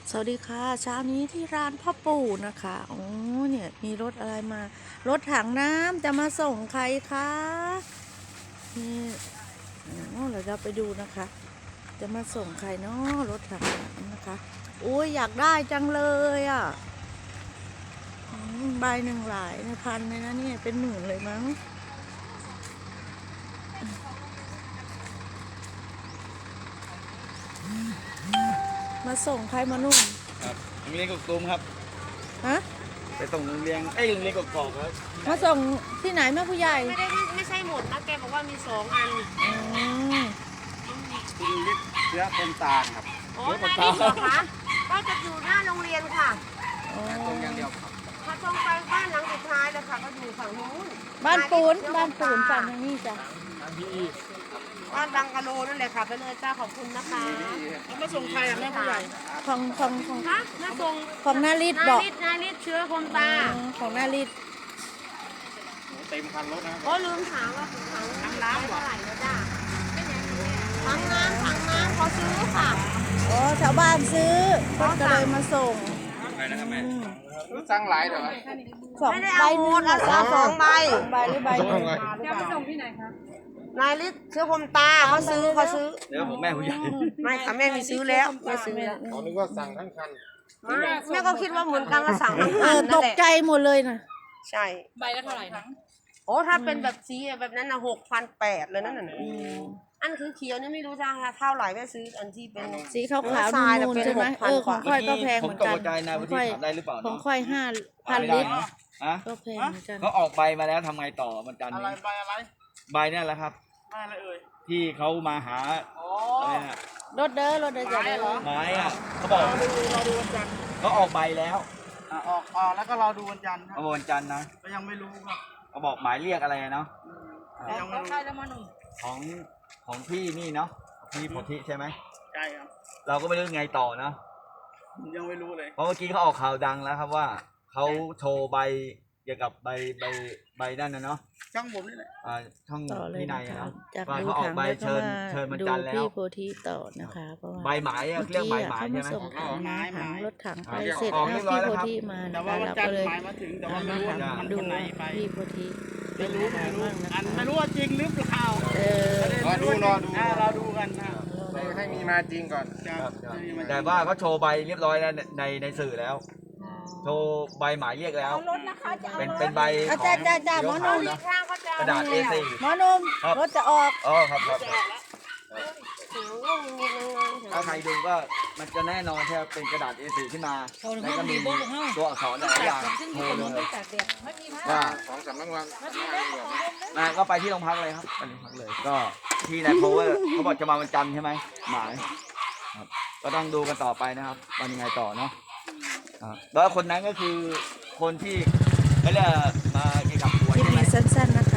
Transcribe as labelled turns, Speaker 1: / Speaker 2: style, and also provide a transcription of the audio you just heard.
Speaker 1: สวัสดีค่ะเช้านี้ที่ร้านพ่อปู่นะคะโอ้เนี่ยมีรถอะไรมา รถถังน้ำจะมาส่งใครคะนี่เราจะไปดูนะคะ จะมาส่งใครเนาะรถถังน้ำนะคะโอ้ยอยากได้จังเลยอ่ะใบหนึ่งหลายพันเลยนะเนี่ยเป็นหมื่นเลยมั้งมาส่งใครมานุ่ม
Speaker 2: ครับโรงเรียนกกตูมครับ
Speaker 1: ฮะ
Speaker 2: ไปส่งโรงเรียนโรงเรียนกกอกครับ
Speaker 1: มาส่งที่ไหนแม่ผู้ใหญ่
Speaker 3: ไม่ใช่หมดนะแกบอกว่ามี2 อัน
Speaker 2: คุณฤทธิ์เชื้อคนตาลครับ
Speaker 3: โอ้นายนี่เหรอคะก็จะอยู่หน้าโรงเรียนค่ะ
Speaker 2: ตรงอย่างเดียวครับ
Speaker 3: ถ้าตรงไปบ้านหลังสุดท้ายเลยค่ะก็อยู่ฝั่งนู้น
Speaker 1: บ้านปูนฝั่งนี้จ้ะ
Speaker 3: บ้านบังกะโลนั่นแหละค่ะไปเลยจ้าขอบคุณนะคะแล้วมาส่งใครอ่ะแม่ผู้ใหญ่
Speaker 1: ของ
Speaker 3: คะมาส่ง
Speaker 1: ของนาริศบอก
Speaker 3: นาริศเชื้อคมตา
Speaker 1: ของนาริศ
Speaker 2: เต็มคันรถนะ
Speaker 3: โอ้ลืมถามว่าถังน้ำเท่าไหร่แล้วจ้าถังน้ำเขาซื้อค่ะ
Speaker 1: อ๋อชาวบ้านซื้อก็เลยมาส่ง
Speaker 2: ไปนะครับแม่สั่งหลายเดี๋ยว
Speaker 3: ไม่ได้เอาหมดเอา2 ใบ
Speaker 1: หรือใบนึง
Speaker 3: จะไปส่งที่ไหนคะนายฤทธิ์เชื้อคมตาเขาซื้อ
Speaker 2: เดี๋ยวผมแม่ผู้ใหญ่
Speaker 3: ไม่ค่ะแม่มีซื้อแล้วแม่ซื้อแล้ว
Speaker 2: เขานึกว่าสั่งทั้งคัน
Speaker 3: แม่ก็คิดว่าเหมือนกันว่าสั่งทั้งคัน
Speaker 1: ตกใจหมดเลยนะ
Speaker 3: ใช่
Speaker 4: ใบละเท่าไหร่นะ
Speaker 3: โอ้ถ้าเป็นแบบสีแบบนั้นนะ6,800เลยนั่นน่ะอันคือเขียวนี่ไม่รู้จะเท่าไหร่แม่ซื้ออันที่เป็น
Speaker 1: สีขาวๆนูนๆใช่ไหมของค่อยก็แพงเหมือนกันของค่อย5,000 ลิตรก็แพงเหมือนกัน
Speaker 2: เขาออกใบมาแล้วทำไงต่อมันจัน
Speaker 4: อะไร
Speaker 2: ใบนี่แหละครับ
Speaker 4: ใบอะไรเอ่ย
Speaker 2: ที่เขามาหาอะไรนะ
Speaker 1: รถเด้อจะได้
Speaker 2: ไม้อ่ะเขาบอก
Speaker 4: เราดูวันจันทร์
Speaker 2: เขาออกใบแล้ว
Speaker 4: ออกแล้วก็เราดูวันจันทร์
Speaker 2: ครับวันจันทร์นะ
Speaker 4: ก็ยังไม่รู้ครับ
Speaker 2: เขาบอกหมายเรียกอะไรเนาะ
Speaker 4: ยังไม่รู้แล้วมาหนุ่ม
Speaker 2: ของพี่นี่เนาะพี่โพธิใช่ไหม
Speaker 4: ใช่ครับ
Speaker 2: เราก็ไม่รู้ไงต่อเนาะ
Speaker 4: ยังไม่รู้เลย
Speaker 2: เพราะเมื่อกี้เขาออกข่าวดังแล้วครับว่าเขาโชว์ใบเกี่ยวกับใบนั่นนะเนาะ
Speaker 4: ช่องผมนี่แหละ
Speaker 2: ช่องพี่นายเนาะ
Speaker 1: ว่า
Speaker 2: เขาออกใบเชิญมันจันแล้ว
Speaker 1: พี่โพธิต่อนะคะเพราะว่า
Speaker 2: ใบหมายเรียกใบหมายใช่ไหม
Speaker 1: ส่งถังรถถังไปเสร็จแล้วพี่โพธิมานะคะเราก็เลยดูพี่โพธิ
Speaker 4: ไม่รู้ว่าจริงหรือเปล่ารอดูกันนะ
Speaker 2: ให้มีมาจริงก่อนแต่ว่าเขาโชว์ใบเรียบร้อยแล้วในสื่อแล้วโชว์ใบหมายเรียกแล้วเป็นใบ
Speaker 1: จ้าหมอนุ่ม
Speaker 2: กระดาษ A4
Speaker 1: หมอนุ่มรถจะออก
Speaker 2: ครับถ้าใครดูก็มันจะแน่นอนแค่เป็นกระดาษ A4 ขึ้นมาแล้วก็มีตัวอักษรหลายอย่างโชว์เลยว่า2-3 รางวัลก็ไปที่โรงพักเลยครับไปโรงพักเลยก็ที่นายโพสเขาบอกจะมาวันจันทร์ใช่ไหมหมายก็ต้องดูกันต่อไปนะครับวันยังไงต่อเนาะแล้วคนนั้นก็คือคนที่ไม่ได้มาเกี่ยวกับหวย
Speaker 1: คลิปนี้สั้นๆนะคะ